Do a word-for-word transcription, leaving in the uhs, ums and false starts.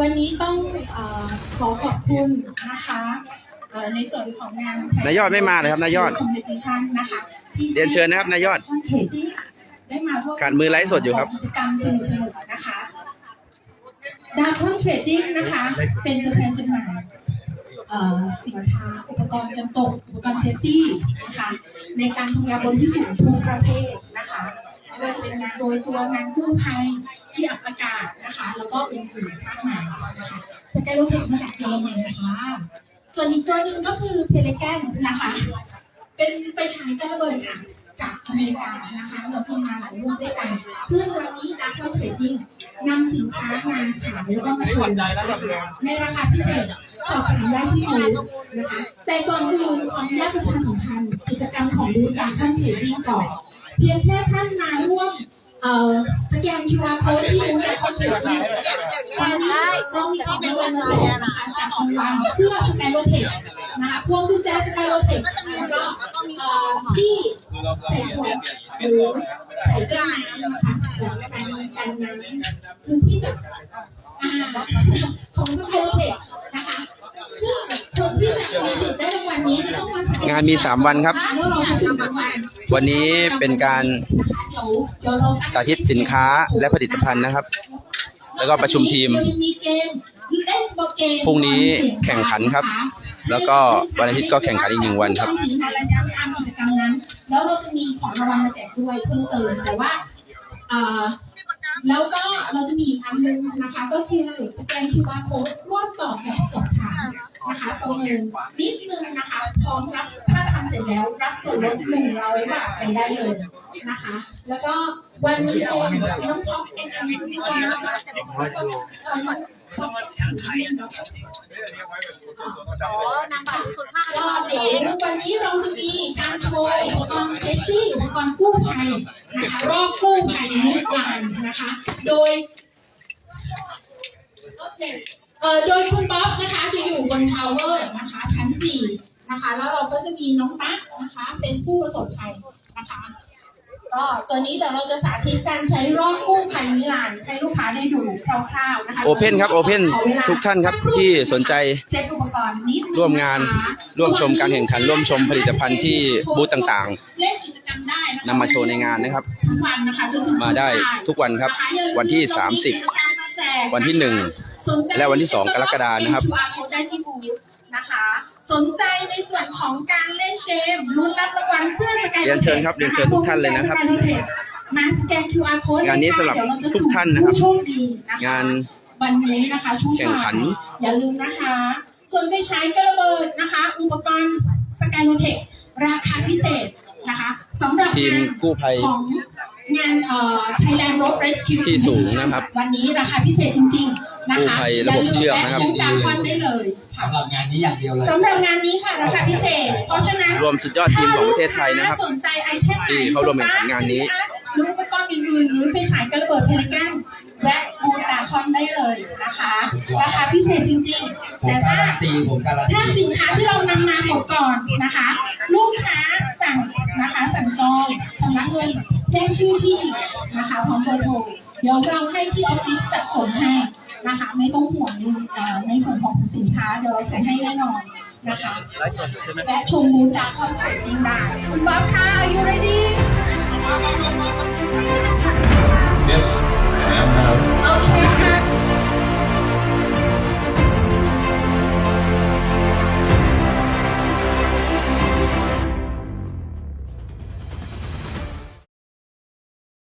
วันนี้ต้องเอ่อขอขอบคุณนะคะเอ่อในส่วนของงานนายยอดไม่มาเลยครับนายยอด Competition นะคะที่เรียนเชิญนะครับนายยอดได้มาร่วมขาดมือไลฟ์สดอยู่ครับกิจกรรมสนุกๆนะคะดาร์คอนเทรดดิ้งนะคะเป็นตัวแทนจำหน่ายเอ่อสินค้าอุปกรณ์กันตกอุปกรณ์เซฟตี้นะคะในการทำงานบนที่สูงทุกประเภทนะคะไม่ว่าจะเป็นงานโรยตัวงานกู้ภัยที่อับอากาศนะคะแล้วก็อื่นๆมากมายนะคะสกายโลเทคมาจากเยอรมันค่ะส่วนอีกตัวหนึ่งก็คือเพลแกนนะคะเป็นไปฉายการระเบิดค่ะจากอเมริกานะคะเราทำงานหลายรุ่นด้วยกันซึ่งวันนี้ดาร์คอนเทรดดิ้งนำสินค้างานขายแล้วก็มาโชว์ในราคาพิเศษสอบถามได้ที่บูธนะคะแต่ก่อนอื่นขออนุญาตประชาสัมพันธ์กิจกรรมของบูธดาร์คอนเทรดดิ้งก่อนเพียงแค่ท่านมาร่วมเอ่อสแกน คิว อาร์ code ที่บูธดาร์คอนเทรดดิ้งวันนี้เรามีของรางวัลมาแจกนะคะจากรางวัลเสื้อสแกนโรเทคนะคะพวงกุญแจสกายโรเทคแล้วก็เอ่อที่ใส่ขวดหรือใส่เครื่องน้ำนะคะแบบกันกันน้ำคือที่จะอ่าของสกายโรเทคนะคะซึ่งคนที่จะมีสิทธิ์ได้รางวัลนี้จะต้องมางานมีสามวันครับแล้วเราจะสุ่มรางวัลวันนี้เป็นการเดี๋ยวเดี๋ยวเราจะสาธิตสินค้าและผลิตภัณฑ์นะครับ แล้วก็ประชุมทีมมีเกมเล่นบอร์ดเกมพรุ่งนี้แข่งขันครับ แล้วก็วันอาทิตย์ก็แข่งขันอีกหนึ่งวันครับตามกิจกรรมนั้น แล้วเราจะมีของรางวัลมาแจกด้วยเพิ่มเติมแต่ว่าอ่าแล้วก็เราจะมีอีกอันนึงนะคะก็คือสแกน คิว อาร์ code ร่วมตอบแบบสอบถามนะคะประเมินนิดนึงนะคะพร้อมรับถ้าทำเสร็จแล้วรับส่วนลดหนึ่งร้อยบาทไปได้เลยนะคะ แล้วก็วันนี้เองน้องท็อปเป็นอันที่ว่าเอ่อน้องท็อปอ๋อนำบัตรคุณค่าก็เดี๋ยววันนี้เราจะมีการโชว์อุปกรณ์เซฟตี้อุปกรณ์กู้ภัยนะคะรอบกู้ภัยนิรานนะคะ โดยโอเคเอ่อโดยคุณป๊อปนะคะจะอยู่บนทาวเวอร์นะคะชั้นสี่นะคะแล้วเราก็จะมีน้องตั๊กนะคะเป็นผู้ประสบภัยนะคะก็ตัวนี้เดี๋ยวเราจะสาธิตการใช้รอบกู้ภัยนิรานให้ลูกค้าได้ดูคร่าวๆนะคะโอเพ่นครับโอเพ่นทุกท่านครับที่สนใจเซ็ตอุปกรณ์นิดนึงร่วมงานนะคะร่วมชมการแข่งขันร่วมชมผลิตภัณฑ์ที่บูธต่างเล่นกิจกรรมได้นะคะนำมาโชว์ในงานนะครับทั้งวันนะคะจนถึงๆ มาได้ทุกวันครับนะคะอย่าลืมวันที่เรสามสิบกิจกรรมมาแจกวันที่หนึ่งสนใจและวันที่สองกรกฎาคมนะครับคิว อาร์ code ได้ที่บูธนะคะ สนใจในส่วนของการเล่นเกมลุ้นรับรางวัลเสื้อสกายเรียนเชิญครับเรียนเชิญทุกท่านเลยนะครับมาสแกน คิว อาร์ code งานนี้สำหรับเดี๋ยวเาจะทุกท่านนะครับผู้โชคดีนะคะงานวันนี้นะคะช่วงแข่งขันบ่ายอย่าลืมนะคะ ส่วนไฟฉายกระเบิดนะคะ อุปกรณ์สกายโลเทคราคาพิเศษนะคะสำหรับทีมงานกู้ภัยของงานเอ่อ Thailand Road Rescue ที่สูงนะครับวันนี้ราคาพิเศษจริงๆนะคะกู้ภัยระบบเชือกนะครับอย่าลืมแอดน้ำตาควันได้เลยค่ะสำหรับงานนี้อย่างเดียวเลยสำหรับงานนี้ค่ะราคาพิเศษ เพราะฉะนั้นรวมสุดยอดทีมของประเทศไทยนะครับถ้าสนใจไอเทมไหนที่เข้าร่วมแข่งขันงานนี้หรืออุปกรณ์อื่นๆหรือไฟฉายกระเบิดเพลแกนแวะบูธดาคอนได้เลยนะคะ ราคาพิเศษจริงๆผมแต่กาถ้ารันตีผมการันตีถ้าสินค้าที่เรานำมาหมดก่อนนะคะ ลูกค้าสั่งนะคะสั่งจองชำระเงินแจ้งชื่อที่นะคะพร้อมเบอร์โทรเดี๋ยวเราให้ที่ออฟฟิศจัดส่งให้นะคะไม่ต้องห่วงในเอ่อในส่วนของสินค้าเดี๋ยวเราส่งให้แน่นอนนะคะไลฟ์สดใช่ไหมแวะชมบูธดาคอนเทรดดิ้งได้คุณบ๊อบค่ะ Are you ready